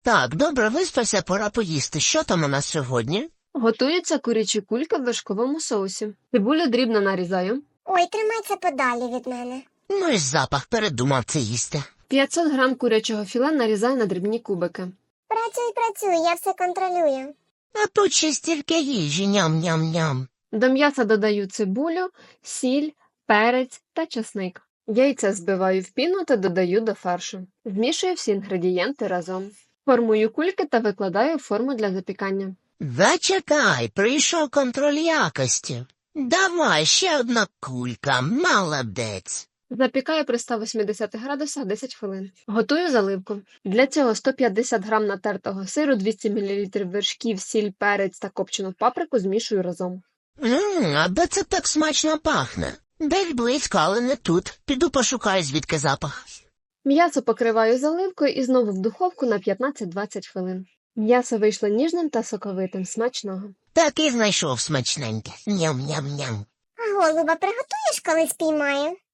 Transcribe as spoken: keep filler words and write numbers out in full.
Так, добре, виспався, пора поїсти. Що там у нас сьогодні? Готуються курячі кульки в вершковому соусі. Цибулю дрібно нарізаю. Ой, тримайся подалі від мене. Ну і запах, передумав це їсти. п'ятсот грам курячого філе нарізаю на дрібні кубики. Працюй, працюй, я все контролюю. А тут ще стільки їжі, ням-ням-ням. До м'яса додаю цибулю, сіль, перець та чесник. Яйця збиваю в піну та додаю до фаршу. Змішую всі інгредієнти разом. Формую кульки та викладаю в форму для запікання. Зачекай, прийшов контроль якості. Давай, ще одна кулька, молодець. Запікаю при ста вісімдесятих градусах десять хвилин. Готую заливку. Для цього сто п'ятдесят грам натертого сиру, двісті мілілітрів вершків, сіль, перець та копчену паприку змішую разом. Ммм, а де це так смачно пахне? Десь близько, але не тут. Піду пошукаю, звідки запах. М'ясо покриваю заливкою і знову в духовку на п'ятнадцять-двадцять хвилин. М'ясо вийшло ніжним та соковитим. Смачного. Так і знайшов смачненьке. Ням-ням-ням. А голуба приготуєш, коли спіймаю?